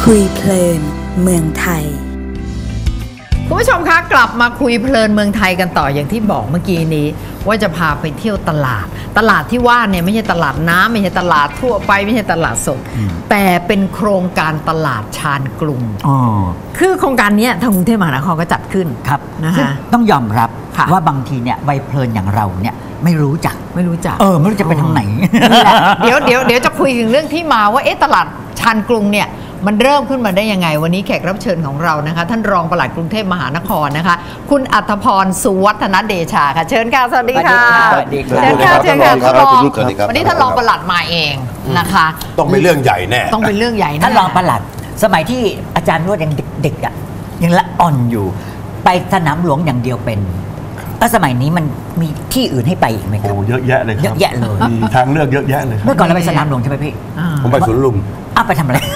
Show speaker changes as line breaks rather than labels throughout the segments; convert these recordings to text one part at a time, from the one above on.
คุยเพลินเมืองไทย
คุณผู้ชมคะกลับมาคุยเพลินเมืองไทยกันต่ออย่างที่บอกเมื่อกี้นี้ว่าจะพาไปเที่ยวตลาดที่ว่าเนี่ยไม่ใช่ตลาดน้ำไม่ใช่ตลาดทั่วไปไม่ใช่ตลาดสดแต่เป็นโครงการตลาดชานกรุงคือโครงการนี้ทางกรุงเทพมหานครก็จัดขึ้น
ครับ
นะคะ
ต้องยอมรับว่าบางทีเนี่ยวัยเพลินอย่างเราเนี่ยไม่รู้จักไม่รู้จะไปทางไหน
เดี๋ยวจะคุยถึงเรื่องที่มาว่าตลาดชานกรุงเนี่ยมันเริ่มขึ้นมาได้ยังไงวันนี้แขกรับเชิญของเรานะคะท่านรองปลัดกรุงเทพมหานครนะคะคุณอัธพร สุวัฒนเดชาค่ะเชิญค่ะสวัสดีค่ะเชิญค่ะท่านรองวันนี้ท่านรองปลัดมาเองนะคะ
ต้องเป็นเรื่องใหญ่แน่
ต้องเป็นเรื่องใหญ่แน่
ท่านรองปลัดสมัยที่อาจารย์นวดยังเด็กๆอ่ะยังละอ่อนอยู่ไปสนามหลวงอย่างเดียวเป็นแล้วสมัยนี้มันมีที่อื่นให้ไปอีกไหมครับ
โอ้เยอะแยะเลยครับ
เยอะแยะเลย
มีทางเลือกเยอะแยะเลย
เมื่อก่อนเราไปสนามหลวงใช่ไหมพี่
ผมไปสวนลุม
ไปทำอะไร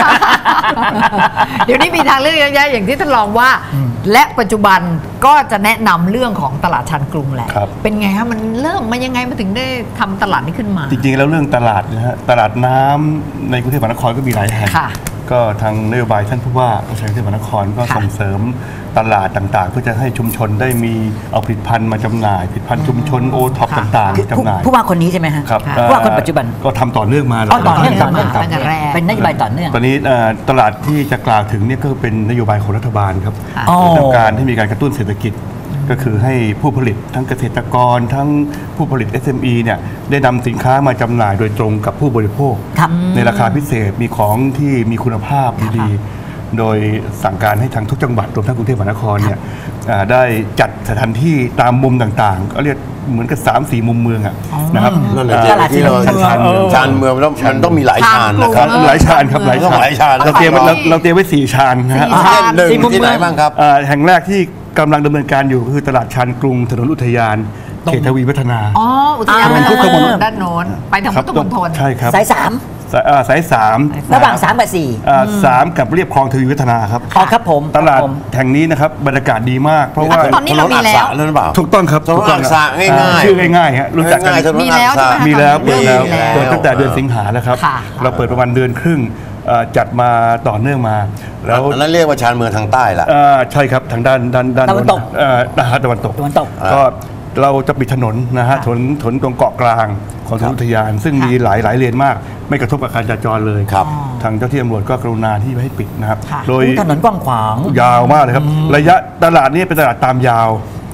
เดี๋ยวนี้มีทางเลือกเยอะแยะอย่างที่ท่านรองว่าและปัจจุบันก็จะแนะนำเรื่องของตลาดชานกรุงแหละเป็นไงครับมันเริ่มมายังไงมาถึงได้ทำตลาดนี้ขึ้นมา
จริงๆแล้วเรื่องตลาดนะฮะตลาดน้ำในกรุงเทพมหานครก็มีหลายแห่งก็ทางนโยบายท่านผู้ว่าราชการกรุงเทพมหานครก็ส่งเสริมตลาดต่างๆเพื่อจะให้ชุมชนได้มีเอาผลิตภัณฑ์มาจำหน่ายผลิตภัณฑ์ชุมชนโอท็อปต่างๆจำหน่าย
ผู้ว่าคนนี้ใช่ไหมฮะ
ครับ
ผู้ว่าคนปัจจุบัน
ก็ทำต่อเนื่องมา
ต่อเนื่องเป็นนโยบายต่อเนื่อง
ตอนนี้ตลาดที่จะกล่าวถึงเนี่ยก็เป็นนโยบายของรัฐบาลครับต้องการให้มีการกระตุ้นเศรษฐกิจก็คือให้ผู้ผลิตทั้งเกษตรกรทั้งผู้ผลิต SME เนี่ยได้นำสินค้ามาจำหน่ายโดยตรงกับผู้บริโภคในราคาพิเศษมีของที่มีคุณภาพดีๆโดยสั่งการให้ทางทุกจังหวัดรวมทั้งกรุงเทพมหานครเนี่ยได้จัดสถานที่ตามมุมต่างๆก็เรียกเหมือนกับ 3-4 มุมเมืองนะครับ
นั่นแหละที่เรา
ชานเมืองแล้วมันต้องมีหลายชานนะครับหลายชานครับหลายชานเราเตรียมไว้4ชานนะฮะที่ไหนบ้างครับแห่งแรกที่กำลังดำเนินการอยู่ก็คือตลาดชานกรุงถนนอุทยานเขตทวีวัฒนา
อุทยานพุทธมณฑลด้านโน้นไปทางพุทธมณฑล
ใช่ครับ
สาย3ระหว่าง3กับ4
3กับเรียบคลองทวีวัฒนาครับ
ครับผม
ตลาดแห่งนี้นะครับบรรยากาศดีมากเพราะว่า
ตอนนี้เรามีแล้ว
ถูกต้องครับ
ถูกต้องง่ายๆ
ชื่อง่ายๆฮะรู้จักกัน
มีแล้ว
เปิดตั้งแต่เดือนสิงหาแล้วครับเราเปิดประมาณเดือนครึ่งจัดมาต่อเนื่องมา
แล้วนั่นเรียกว่าชานเมืองทางใต้ละ
ใช่ครับทางด้าน
ตะวันตก
ตะวันตกก็เราจะปิดถนนนะฮะถนนตรงเกาะกลางของถนนอุทยานซึ่งมีหลายเลนมากไม่กระทบกับการจราจรเลยทางเจ้าที่ตำรวจก็กรุณาที่ให้ปิดนะครับ
โดยถนนกว้างขวาง
ยาวมากเลยครับระยะตลาดนี้เป็นตลาดตามยาว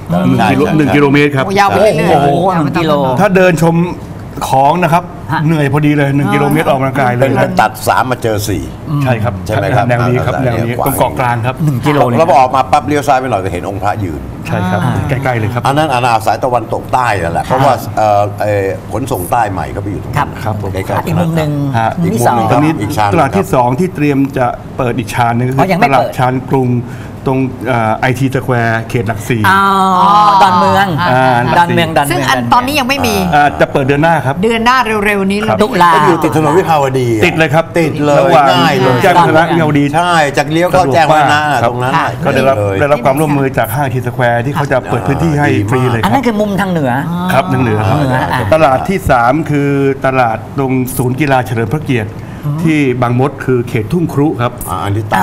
1 กิโลเมตรครับ
ยาวไปเรื่อย
ๆ1 กิโล
ถ้าเดินชมของนะครับเหนื่อยพอดีเลย1 กิโลเมตรออกกำลังกายเลย
ตัด3มาเจอ4
ใช่ครับ
ใช่ไหมครับ
แนวนี้ครับแนวนี้ตรงเกาะกลางครับ
1 กิโล
แล้วพอออกมาปั๊บเลี้ยวซ้ายไปหน่อยก็เห็นองค์พระยืน
ใช่ครับใกล้ๆเลยครับ
อันนั้นสายตะวันตกใต้นั่นแหละเพราะว่าขนส่งใต้ใหม่ก็ไปอยู่ตรงนั้น
ครับ
ใกล้ๆอีกมุมหนึ่ง
ตอนนี้ตลาดที่2ที่เตรียมจะเปิดอีกชานนึงก็คือตลาดชานกรุงตรงITสแควร์เขตหลัก4
ดอนเมือง
ซึ่งตอนนี้ยังไม่มี
จะเปิดเดือนหน้าครับ
เดือนหน้าเร็วๆนี้
ตุลา
อยู่ติดถนนวิภาวดี
ติดเลยครับ
ติดเลยง่ายเลย
แจ้งวัฒนะวิภาวดี
ใช่จากเลี้ยวเข้าแจ้งวัฒนะตรงนั้น
ก็ได้รับความร่วมมือจากห้างITสแควร์ที่เขาจะเปิดพื้นที่ให้ฟรีเลย
อันนั้นคือมุมทางเหนือ
ครับทางเหนือครับตลาดที่3คือตลาดตรงศูนย์กีฬาเฉลิมพระเกียรติที่บางมดคือเขตทุ่งครุครับ
อันนี้ใต้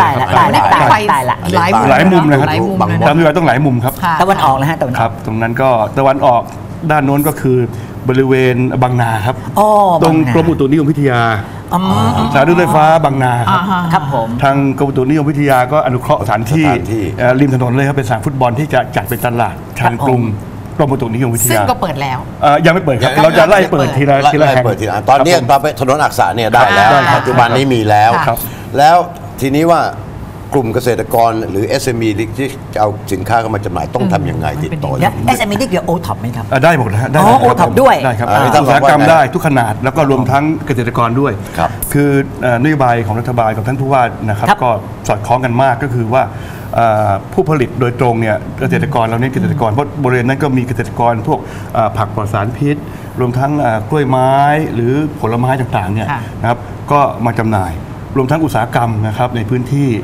หลายมุมนะครับตามที่ว่าต้องหลายมุมครับ
ตะวันออกนะฮะ
ครับตรงนั้นก็ตะวันออกด้านโน้นก็คือบริเวณบางนาครับตรงกรมอุตุนิยมวิทยาสถานีรถไฟฟ้าบางนา
ครับผม
ทางกรมอุตุนิยมวิทยาก็อนุเคราะห์สถานที่ริมถนนเลยครับเป็นสนามฟุตบอลที่จะจัดเป็นตลาดชานกรุงกรมอุตุนิยมวิทยา
ซึ่งก็เปิดแล้ว
ยังไม่เปิดครับเราจะไล่เปิดทีละแห่ง
ตอนนี้ถนนอักษะเนี่ยได้แล้วปัจจุบันนี้มีแล้วแล้วทีนี้ว่ากลุ่มเกษตรกรหรือ SME ที่จะเอาสินค้าเข้ามาจำหน่ายต้องทำยังไงติดต่อ
SME ที่เกี่ยวโอท็อปไหมครับ
ได้หมดนะฮะ
ได้โอท็อปด้วย
ได้ครับอุตสาหกรรมได้ทุกขนาดแล้วก็รวมทั้งเกษตรกรด้วยคือนโยบายของรัฐบาลกับท่านผู้ว่านะครับก็สอดคล้องกันมากก็คือว่าผู้ผลิตโดยตรงเนี่ยเกษตรกรเราเน้นเกษตรกรเพราะบริเวณนั้นก็มีเกษตรกรพวกผักปลอดสารพิษรวมทั้งกล้วยไม้หรือผลไม้ต่างๆเนี่ยนะครับก็มาจำหน่ายรวมทั้งอุตสาหกรรมนะครับในพื้นที่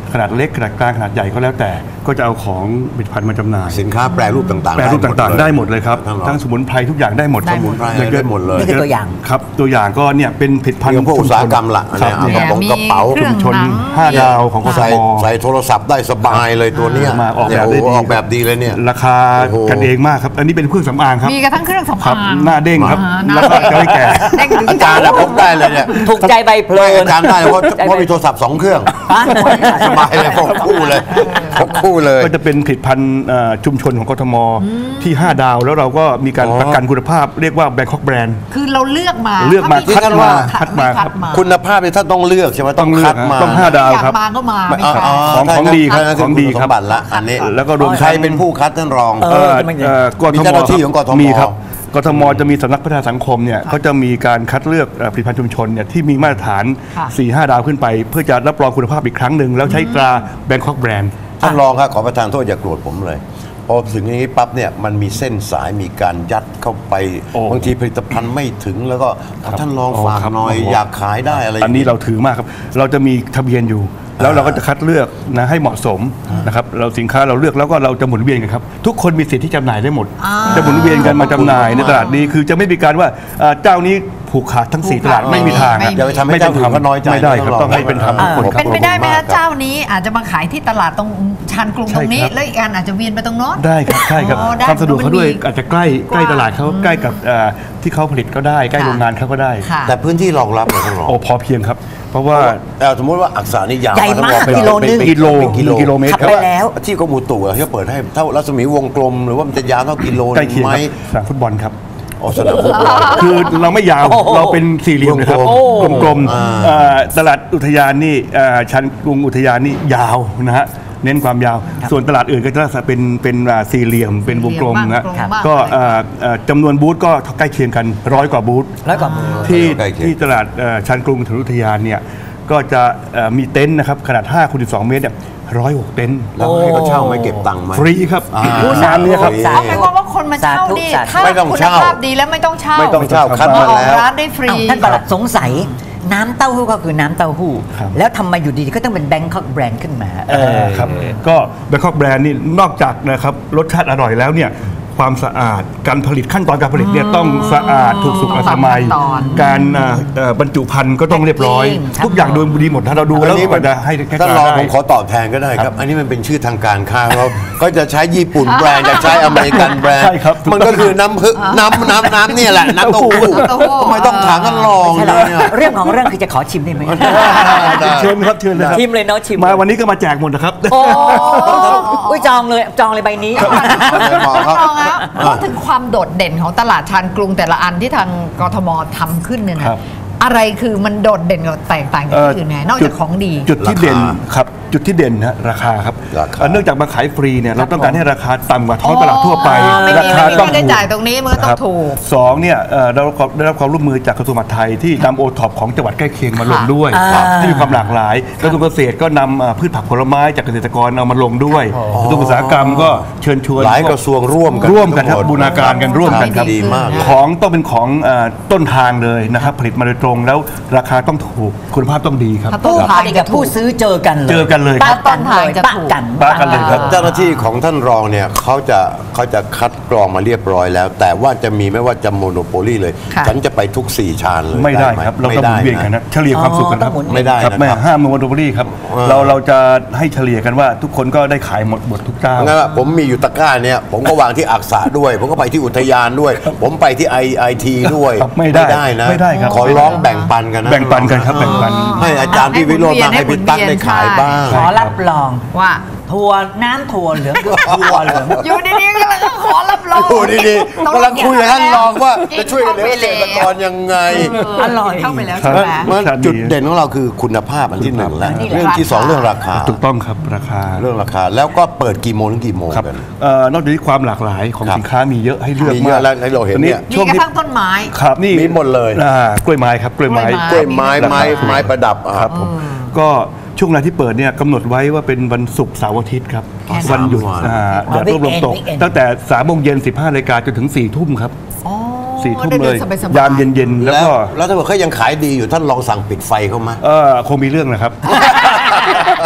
ขนาดเล็กขนาดกลางขนาดใหญ่ก็แล้วแต่ก็จะเอาของผลิตภัณฑ์มาจำหน่าย
สินค้าแปรรูปต่างๆ
แปรรูปต่างๆได้หมดเลยครับทั้งสมุนไพรทุกอย่างได้หมด
ได้หมด
ได้หมดเลย
นี่คือตัวอย่าง
ครับตัวอย่างก็เนี่ยเป็นผลิตภัณฑ์
อย่างพวกอุตสาหกรรมละ
ครับ
เนี่ยกระเป๋า
เครื่อง
ชน
หนัง
5 ดาวของกท
ใส่
ม
ใส่โทรศัพท์ได้สบายเลยตัวเนี้ย
มาออกแบบได้
เนี่ย
ดี
ออกแบบดีเลยเนี่ย
ราคา
โอ้โห
กันเองมากครับอันนี้เป็นเครื่องสำอางครับ
มีกระทั่งเครื่องสำ
ครั
อา
บ
ง
หน้าเด้งครับ
หน้า
แล้วก็จะไม่แก่
เด้งถึง
อาจารย์นะพกได้เลยเนี่ย
ถูกใจใบเพลิน
อาจารย์ได้เพราะมีโทรศัพท์2 เครื่องสบายเลยพกคู่เลยพกคู่เลย
ก็จะเป็นผลิตภัณฑ์ชุมชนของกทมที่ 5 ดาวแล้วเราก็มีการประกันคุณภาพเรียกว่า Bangkok Brand
คือเราเลือกมา
เลือกมา
ถ้
คัดมา
คัดมา
คุณภาพเนี่ยท่านต้องเลือกใช่ไหมต้องคัดมา
ต้อง5 ดาวครับ
อยากมาก็มาไม่ใช่
ของดีครับ
นั่น
ของดีครับ
ณสมบัติละอันนี้
แล้วก็รวม
ใครเป็นผู้คัดท่านรอง
กท
มี
ม
เจ้าหน้าที่ของกทม
มีครับกทมจะมีสำนักพัฒนาสังคมเนี่ยเขาจะมีการคัดเลือกผลิตภัณฑ์ชุมชนเนี่ยที่มีมาตรฐาน
ค่ะ
4-5 ดาวขึ้นไป เพื่อจะรับรองคุณภาพอีกครั้งหนึ่งแล้วใช้ตรา Bangkok Brand
ท่านรองครับขอประทานโทษอย่าโกรธผมเลยพอถึงอย่างนี้ปั๊บเนี่ยมันมีเส้นสายมีการยัดเข้าไป
โอ้
บางทีผลิตภัณฑ์ไม่ถึงแล้วก็ท่านรอง
โอ้
ฝาก
ครับ
หน่อย
โอ้โห
อยากขายได้อะไร
อันนี้เราถือมากครับ เราจะมีทะเบียนอยู่ แล้วเราก็จะคัดเลือกนะให้เหมาะสมนะครับเราสินค้าเราเลือกแล้วก็เราจะหมุนเวียนกันครับทุกคนมีสิทธิ์ที่จำหน่ายได้หมด จะหมุนเวียนกันมาจำหน่ายในตลาดนี้คือจะไม่มีการว่าเจ้านี้ผูกขาดทั้ง 4 ตลาดไม่มีทาง
ไม่มี
อย่าไปทำให้เจ้าอื่นเขาน้อยใจ
ไม่ได้ครับ
นะ
ต้องให้เป็นธรรมทุกคนครับ
เป็นไปได้ไหม
ขอบคุณมากครั
คะ
บ
เจ้านี้อาจจะมาขายที่ตลาดตรงชานกรุงตรงนี้
ใช่ครับ
แล้วอีกอันอาจจะเวียนไปตรงโน้น
ได้ครับใช่ครับ
อ๋อได้
ความสะดวกเขาด้วย
มันมี
อาจจะใกล้ตลาดเขาใกล้กับที่เขาผลิตก็ได้ใกล้
ค่ะ
โรงงานเขาก็ได้
ค่ะ
แต่พื้นที่รองรับเนี่ยท่านรอง
โอ้พอเพียงครับ เพราะว่า
สมมติว่าอักษรนี่ยาว
ใหญ่มาก
ท่นรอง
กิโลนึง
เป็น
กิโล
เป็นกิโล
กิโลเมตร
ขับ
ครับ
ไปแล้ว
ที่กรมอุตุอะที่เปิดให้เท่ารัศมีวงกลม หรือว่ามันจะยาวเท่ากิโล
ใกล้เคียง
ไหม
ครับสนามฟุตบอลครับ
อ๋อสนามฟุตบอล
คือเราไม่ยาวเราเป็นสี่เหลี่ยมนะครับ กลมๆตลาดอุทยานนี่ชั้นกรุงอุทยานนี่ยาวนะฮะเน้นความยาว ส่วนตลาดอื่นก็จะเป็นสี่เหลี่ยมเป็นวงกลมนะ
กลมมาก
ก็จำนวนบูธก็ใกล้เคียงกัน100 กว่าบูธ
แล้วก็มือ
ที่ตลาดชั้นกรุงถนนอุทยานเนี่ยก็จะมีเต็นท์นะครับขนาด5 คูณ 12 เมตรเนี่ย106 เต็นท์
แล้วให้เขาเช่าไหมเก็บตังค์ไหม
ฟรีครับ
สาธุ
เนี่ยครับ
สา
เอา
ธุ
ไม่ว่าคนมาเช่านี่
สาธุ
ถ้า
ไม่ต้อง
คุณ
เช่า
ภาพดีแล้วไม่ต้องเช่า
ไม่ต้องเช่าคัด
มา
มา
ออก
แล้ว
ร้านได้ฟรี
อ้าวท่านประหลัดสงสัยน้ำเต้าหู้ก็คือน้ำเต้าหู้
ครับ
แล้วทำไมอยู่ดีๆก็ต้องเป็นแบงคอกแบรนด์ขึ้นมา
ครับก็ Bangkok Brand นี่นอกจากนะครับรสชาติอร่อยแล้วเนี่ยความสะอาดการผลิตขั้นตอนการผลิตเนี่ยต้องสะอาดถูกสุขอนามัย
ขั้นตอน
การบรรจุภัณฑ์ก็ต้องเรียบร้อย
Packing
ทุกอย่างโดยดีหมดถ้าเราดูแล้วก็จะให้แค่
ท่านรอง
ได้
ผมขอตอบแทนก็ได้ครับ อันนี้มันเป็นชื่อทางการค้าเขาก็จะใช้ญี่ปุ่นแบรนด์จะใช้อเมริกันแบรนด์
ใช่ครับ
มันก็คือน้ำเนี่ยแหละน้ำเต้าหู้
น้ำเต้าหู้
ทำไมต้องถามท่านรอง
ใช่
เล
แล้ว
ยเนี่ย
เรื่องของเรื่องคือจะขอชิมได้ไหม
เชิญครับเชิญเลยครับ
ชิมเลยเนาะชิม
มาวันนี้ก็มาแจกหมดนะครับ
โอ้อุ้ยจองเลยใบนี้
บอกครับ
ลองแล้วพูดถึงความโดดเด่นของตลาดชานกรุงแต่ละอันที่ทางกทมทำขึ้นเนี่ยนะครับ อะไรคือมันโดดเด่นกับแตกต่างจากที่อื่นไงนอกจากของดี
จุดที่เด่นครับจุดที่เด่นนะราคาครับ
ราคา
เนื่องจากมาขายฟรีเนี่ยเราต้องการให้ราคาต่ำกว่าท้องตลาดทั่วไป
อ๋อไม่มี
ราคาต้อง
ไม่มีค่าใช้จ่ายตรงนี้มันก็ต้อง
ครับ
ถูก
สองเนี่ยเราได้รับความร่วมมือจากกระทรวงมหาดไทยที่นำโอท็อปของจังหวัดใกล้เคียงมาลงด้วย
อ่า
ที่มีความหลากหลายกระทรวงเกษตรก็นำพืชผักผลไม้จากเกษตรกรเอามาลงด้วยกระทรวงอุตสาหกรรมก็เชิญชวน
หลายกระทรวงร่วมกัน
ครับบูรณาการกันร่วมกันครับ
ดีมาก
ของต้องเป็นของต้นทางเลยนะครับผลิตมาโดยตรงแล้วราคาต้องถูกคุณภาพต้องดีครับ
ถ้าต้น
ผู้
ทา
ผ
ง
ลิตกับผู้ซื้อเจอกันเลย
เจอกันเลยครับ
ปะกันเลย
ต้นทางจะ
ปะ
ถูก
กัน
ปะกันเลยครับ
เจ้าหน้าที่ของท่านรองเนี่ยเขาจะคัดกรองมาเรียบร้อยแล้ว แต่ว่าจะมีไม่ว่าจะโมโนโปลีเลย
ค่ะ
ฉันจะไปทุก4ชานเลย
ไม่ได้
ห
ครับเราต้องหมุนเวียนกันนะเฉลี่ยความสุขกันครับ
อ๋อต้องหมุน
ไม่ได้
ครับ
นะครับ
ไม่ห้ามโมโนโปลีครับเราจะให้เฉลี่ยกันว่าทุกคนก็ได้ขายหมดทุกเจ้า
งั้นอะผมมีอยู่ตะกร้าเนี่ยผมก็วางที่อักษะด้วย ผมก็ไปที่อุทยานด้วย ผมไปที่ IIT ด้วย
ครับไม่ได้
นะ
ไม่ได้ครับ
ขอร้องแบ่งปันกันนะ
แบ่งปันกันครับแบ่งปัน
ให้อาจารย์พี่วิโรจน์มาให้พี่ตั๊กได้ขายบ้าง
ขอรับรอง
ว่า
ถั่วน้ำถั่วเหลืองถั่วเหลือง
อยู่ดีๆก็เลยขอรับรอง
โอ้ดีๆกำลังคุยกับท่านรองว่าจะช่วยเหลือเกษตรกรยังไง
อร่อย
เข้าไปแล้วใช่ไหม
มันจุดเด่นของเราคือคุณภาพอันที่หนึ่งแล้ว
นี่แหละ
เรื่องที่สองเรื่องราคา
ถูกต้องครับราคา
เรื่องราคาแล้วก็เปิดกี่โมงถึงกี่โมง
ครับ
กัน
นอกจากนี้ความหลากหลายของ
ครับ
สินค้ามีเยอะให้เลือก
มีเย
มา
อะ
ก
แล้วให้เราเห็นเนี่ย
มี
ช่วง
กระ
นี้
ทั่งต้นไม้
ครับนี่
มีหมดเลย
กล้วยไม้ครับกล้วยไม้
กล้วยไม้
ราคาถูก
ไม้ประดับอ่ะ
ครับผมก็ช่วงเวลาที่เปิดเนี่ยกำหนดไว้ว่าเป็นวันศุกร์เสาร์อาทิตย์ครับ
แค่นั้น
วันหยุด
วัน
แดดร่มลมตก
weekend
ตั้งแต่3 โมงเย็น 15 นาฬิกาจนถึง 4 ทุ่มครับ
อ๋อ
4 ทุ่ม
ได้
เลย
สบๆ
ยามเย็นๆ แล้วก็
แล้วถ้าเกิดเขายังขายดีอยู่ท่านลองสั่งปิดไฟเขามา
คงมีเรื่องนะครับ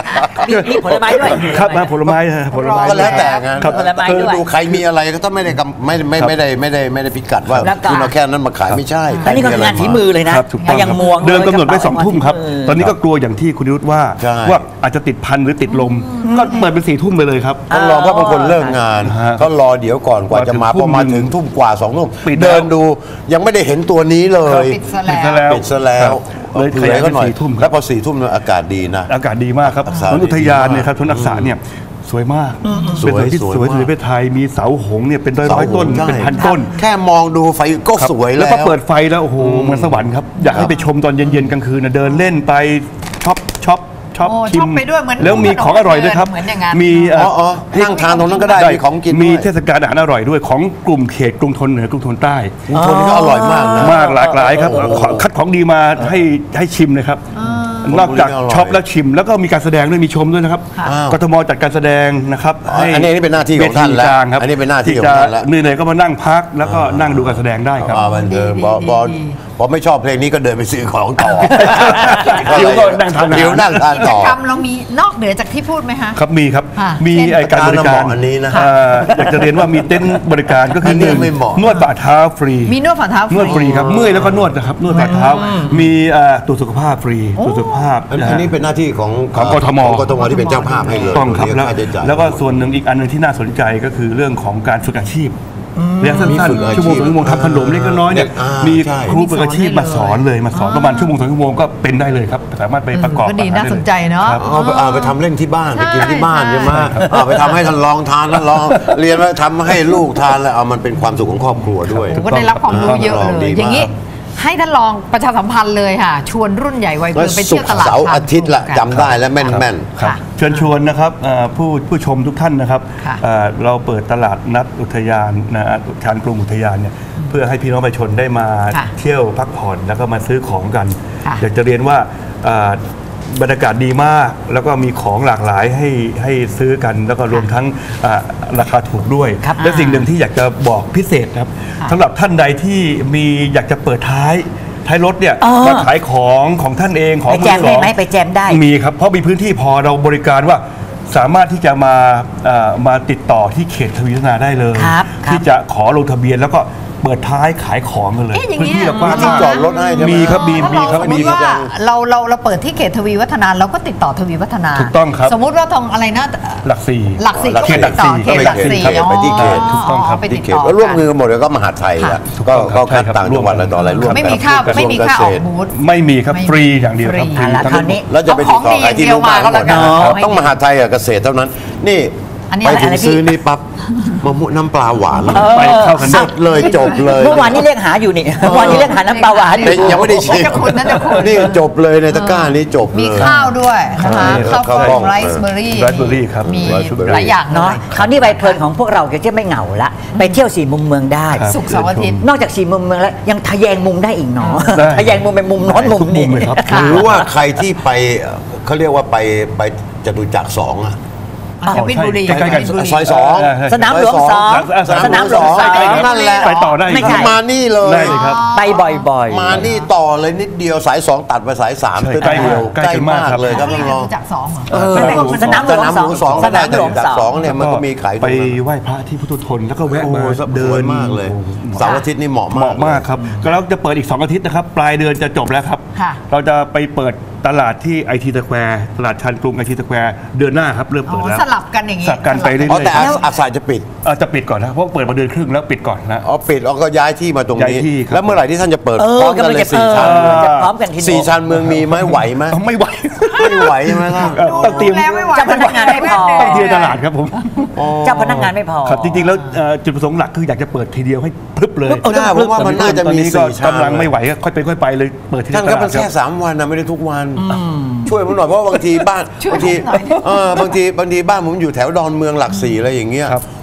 มีผลไม้ด้วย
ครับมาผลไม้ฮะผลไม้
ก็แล้วแต่งาน
ครับผลไม้
คือ
ด้วย
ดูใครมีอะไรก็ต้องไม่ได้พิกัดว่า
แล้วก็
คุณเอาแค่นั้นมาขายไม่ใช่
อันนี้ก็คืองานฝีมือเลยนะครับ
ถูกต้อง
อย่างมวง
เดิมกำหนดไว้
กระเป๋า
2 ทุ่มครับ ตอนนี้ก็กลัวอย่างที่คุณนิรุตว่า
ใช่
ว่าอาจจะติดพันหรือติดลม ก็เปิดเป็น4 ทุ่มไปเลยครับ
ต้องรอเพราะบางคนเลิกงาน
ฮะ
ก็รอเดี๋ยวก่อนกว่าจะมา
พอถึง
พอมา
ทุ่ม
ถึงทุ่มกว่า2 ทุ่ม
ปิดแล้ว
เดินดูยังไม่ได้เห็นตัวนี้เลย
ปิดซะแล้ว
ปิดซะแล้ว
เลย
เผื่
ขยาย
อ
เป็
ก็
น
หน่อย
4 ทุ่มค
แล้
รับ
วพอ4 ทุ่มเนี่ยอากาศดีนะ
อากาศดีมากครับ
อักษร
สวนอุทยานเนี่ยครับ
ดีมาก
สวนอักษรเนี่ยสวยมาก
สวย
เป็นที่
สวย
สวย
มาก
ที่สุดในประเทศไทยมีเสาหงส์เนี่ยเป็นร้อยๆต้น
ใช่
เป็นพันต้น
แค่มองดูไฟก็
ครับ
สวย
แล้
แล้ว ว
พอเปิดไฟแล้วโอ้โหเหมือนสวรรค์ครับอยากให้ไปชมตอนเย็นๆกลางคืนนะเดินเล่นไปช็อป
โอ้
ชิ
ช็อ
ม
ปไปด้วยเหมือน
แล้วมีของอร่อยด้วยครับ
เหมือนอย่างนั้น
มี
อ๋อนั่งทานตรงนั้นก็ได้มีของกินด้วย
มีเทศกาลอาหารอร่อยด้วยของกลุ่มเขตกรุงธนเหนือกรุงธนใต้
กรุงธนนี่ก็อร่อยมากนะ
มากหลากหลายครับคัดของดีมาให้ชิมเลยครับ นอกจากช็อปแล้วชิม แล้วก็มีการแสดงด้วยมีชมด้วยนะครับ
อ้าว
กทมจัดการแสดงนะครับ
อ๋ออันนี้เป็นหน้าที่ของท่านแล้ว
เวทีกลางครับ
อันนี้เป็นหน้าที่ของ
จะ
ท่านแล้ว
เหนื่อยๆก็มานั่งพักแล้วก็นั่งดูการแสดงได้ครับ
บันเทิง
ดี
พอไม่ชอบเพลงนี้ก็เดินไปซื้อของต่อ
เดี๋ยวก็นั่งทานอาหาร
เดี๋ยวนั่งทาน
กิจ
ต่อ
กรรมเรามีนอกเหนือจากที่พูดไหมคะ
ครับมีครับ
ค่ะ
มี
เช่น
ไอ้การบริการ
อันนี้นะ
อยากจะเรียนว่ามีเต็นท์บริการก็คื
อั
อน
นี้
หนึ่ง
ไม่เหมาะ
นวดฝ่าเท้าฟรี
มีนวดฝ่าเท้าฟ
นวดฟรี
รี
ครับเมื่อยแล้วก็นวดนะครับนวดฝ่าเท้า มีตรวจสุขภาพฟรีตรวจสุขภาพ
อันนี้เป็นหน้าที่ของ
ของกทม
ของกทมที่เป็นเจ้าภาพให้เลย
ต้องครับ
เยก
แล้ว
ค่าใช้จ่าย
แล้วก็ส่วนหนึ่งอีกอันหนึงที่น่าสนใจก็คือเรื่องของการฝึกอาชีพเรียนสั้
มี
น
ฝึกอา
ๆ
ชีพ
ชั่วโมง 2 ชั่วโมงทำขนมเล็กน้อยเนี่ย
มี
มี
ใช่
ครูฝึกอาชีพมาสอนเลยมาสอนประมาณ1 ชั่วโมง 2 ชั่วโมงก็เป็นได้เลยครับสามารถไปประกอบ
ก็ดี
อหร
น่าสนใจเนาะ
ครับ
เอาไปทำเล่นที่บ้าน
ใช่
ไปกินที่บ้าน
ใช่
ใช่ไหมเอาไปทำให้ท่านลองทานท่านลองเรียนว่าทำให้ลูกทานแล้วเอามันเป็นความสุขของครอบครัวด้วย
ผมก็ได้รับความรู้เยอะเล
ดี
ย
มาก
อย่างนี้ให้ท่านลองประชาสัมพันธ์เลยค่ะ ชวนรุ่นใหญ่วัย
แล้
เกิ
วน
ไป
ศุ
เที่ย
ก
ว
ร์
ตลาด
เสาร์อาทิตย์ละ
กัน
จำได้และแม่น
ครับ
ค่ะ
เชิญชวนนะครับผู้ชมทุกท่านนะครับ
ค่ะ
เราเปิดตลาดนัดอุทยานชานกรุงอุทยานเนี่ยเพื่อให้พี่น้องประชาชนได้มา
ค่ะ
เที่ยวพักผ่อนแล้วก็มาซื้อของกัน
ค่ะ
อยากจะเรียนว่าบรรยากาศดีมาก แล้วก็มีของหลากหลายให้ซื้อกัน แล้วก็รวมทั้งราคาถูกด้วย
ครับ
และสิ่งหนึ่งที่อยากจะบอกพิเศษนะครับสำหรับท่านใดที่อยากจะเปิดท้ายรถเนี่ยมาขายของท่านเองของ
ไปแจม
มือส
ได้
อง
ไหมไปแจมได้
มีครับ เพราะมีพื้นที่พอเราบริการว่าสามารถที่จะมาติดต่อที่เขตทวีวัฒนาได้เลย
ครับ
ที่จะขอลงทะเบียนแล้วก็เปิดท้ายขายของกันเลย
เอ๊ะอย่าง
พื้น
เงี้ย
ที่เรากว้าง
ที่
มาก
จอดรถให้ใช่ไหม
มีครับมี
ถ้า
มี
เรา
ครับ
สมม
มี
ติ
ครับ
ว่าเราเปิดที่เขตทวีวัฒนาเราก็ติดต่อทวีวัฒนา
ถูกต้องครับ
สมมุติว่าตรงอะไรนะ
หลักสี่
หลักสี่
หลัก
ก็
สี่
ไปติดต่อเขตหลักสี่
ครับไปที่เขต
ถูกต้องครับ
ไปติด
ที่เข
ต่
ต
อ
แล้วร่วมมือกันหมดเลยก็มหาดไทย
ค่ะ
อะ
ถูกต้องครับ
ก็
ใช่ครับ
ต่างจังหวัดอะไรต่ออะไรร่วมกัน
ไม่มีค่า
กระทรวง
ไม่มีค่าออก
เษตร
บูธ
ไม่มีครับ
ไม่
ฟรีอย่างเดียวครับ
ฟรี
ฟรี
แล้ว
ทั้ง
คราวนี้
แล้วจะไปติดต่อใครที่รู้บ้าน
เอาของดีอย่างเดียวมาก็แล้วกัน
ต้องมหาดไทยกับเกษตรเท่านั้น นี่
อันนี้
ไป
อะไร
ถึง
อะไรพี่
ซื้อนี่ปั๊บมะม่วงน้ำปลาหวาน
ไปเข้ากัน
ส
ได้
ดเลยจบเลย
เมื่อวานนี้เรียกหาอยู่นี่เมื่อวานนี้เรียกหาน้ำปลาหวานอยู่
แต่ยังไม่ได้ชิม
จะคุณนั่นจะคุณ
นี่จบเลยในตะกร้านี้จบเลย
มีข้าวด้วยนะคะ
ข้า
ข้าว ว
กล้
ก
อ
ล้อง งไรซ์เบอร์รี่
Raspberry ครับ
มี
Raspberry
หลายอย่างเล
เนาะ
ย
คราวนี้ใบเพลินของพวกเราจะไม่เหงาละไปเที่ยว4 มุมเมืองได้
ครับ
ศุกร์เสาร์อาทิตย์
นอกจาก4 มุมเมืองแล้วยังทะแยงมุมได้อีกเนาะ
ได้
ทะแยงมุมเป็นมุมโน้นมุม
ทุกมุ
นี้
มเลยครับ
ค่ะ
หรือว่าใครที่ไปเขาเรียกว่าไปจตุจักร2 อ่ะ
กบินบุรี
ใกล้ๆกัน
กบินบุรี
ซอยสอง
สนามหลวงสอง
สนามหลวงสอง
นั่นแหละ
ไปต่อได้
ไม่ใช่
มานี่เลย
ได้เลยครับ
ไปบ่อยๆ
มานี่ต่อเลยนิดเดียวสาย 2 ตัดไปสาย 3
ใช่
ใกล้เดียว
ใกล้
ใกล้
กันมาม
าก ก
ครับ
เลยครับท่านรอง
จากสองเหรอ
สนามหลวง
สนามหลวง 2
ส
ก็ได้
นาม
จ
หลวง
ตุจักร
2
2เนี่ยมันก็มีขายต
ไป
รงนั้น
ไหว้พระที่พุทธทนแล้วก็แวะ
โอ้
มา
โหส
เดิ
วย
น
มากเลย
โอ้โห
เสาร์อาทิตย์นี่เหมาะ
เห
มาก
มาะมากครับก็แล้วจะเปิดอีก 2 อาทิตย์นะครับ ปลายเดือนจะจบแล้วครับ
ค่ะ
เราจะไปเปิดตลาดที่ไอทีสแควร์ตลาดชานกรุงไอทีสแควร์เดือนหน้าครับเริ่ม
อ๋
เปิด
อ
แล้ว
สลับกันอย่างงี้
สลับกันไปเรื่อย
อ๋อแต่
ๆ
อาสาจะปิด
จะปิดก่อนนะเพราะเปิดมาเดือนครึ่งแล้วปิดก่อนนะ
อ๋อปิดแล้วก็ย้ายที่มาตรงนี้
ย้ายที่ครับ
แล้วเมื่อไหร่ที่ท่านจะเปิด
เอ
พ
อ
ร้อมกัน
กำลัง
เลย
จะ
สี่ชานเมือง
จะพร้อมกันทีเดียว
สี่ชานเมืองมีไหมไหวไหม
ไม่ไหว
ไม่ไหวใช่ไหมล่ะ
ต้องเตรียม
แล้วไม่ไหว
เจ้าพนักงานไม่พอ
ต้องเตรียมตลาดครับผม
เจ้าพนักงานไม่พอ
ครับจริงๆแล้วจุดประสงค์หลักคืออยากจะเปิดทีเดียวให้พรึบเลย
เออน่าผมว่ามันน่าจะมี
ตอก็
สี่ชาน
กำลังไม่ไหวก็ค่อยเป็นค่อยไปเลยเปิดที่
ท่าน
ต
ก็
ลา
เป็
ด
น
ครั
แค่
บ
3 วันนะไม่ได้ทุกวัน ช่วยผมหน่อยเพราะว่าบางทีบ้าน
ช่วย
บางที
ผมหน่อย
บางทีบ้านผมอยู่แถวดอนเมืองหลัก 4อะไรอย่างเงี้ย
ครับ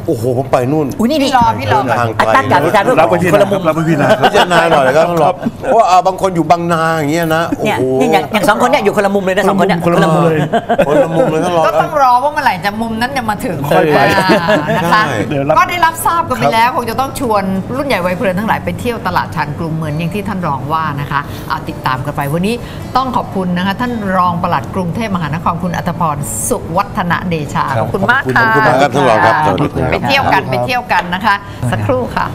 โอ้โหผมไปนู่น
อุ้ยนี่
พี่รอ
เดินทางไกล
ตั้งกับอาจารย์
รับไว้ที่
คนละมุม
รับไว้ที่นา
พิจารณาหน่อยก็ต้องรอเพราะว่าบางคนอยู่บางนาอย่างเงี้ยนะโอ้
เนี่ย
โห
นี่อย่างสองคนเนี่ยอยู่คนละมุมเลยนะสองคนเนี่ย
คนละมุมเลย
คนละมุมเลยต้องรอ
ก็ต้องรอว่าเมื่อไหร่จะมุมนั้นจะมาถึง
ค่อยไป
นะคะ
ใช่
เดี๋ยวรับ
ก็ได้รับทราบกันไปแล้วคงจะต้องชวนรุ่นใหญ่วัยเพลินทั้งหลายไปเที่ยวตลาดชานกรุงเหมือนอย่างที่ท่านรองว่านะคะเอาติดตามกันไปวันนี้ต้องขอบคุณนะคะท่านรองปลัดกรุงเทพมหานครคุณอัตภพรสุวัฒนเดชาขอบคุณมากค่ะ
ขอบคุณมากครับท่านรองครับสวัสดีครับ
ไปเที่ยวกันนะคะ สักครู่ค่ะ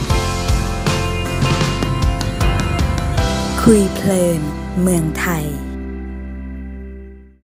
คุยเพลินเมืองไทย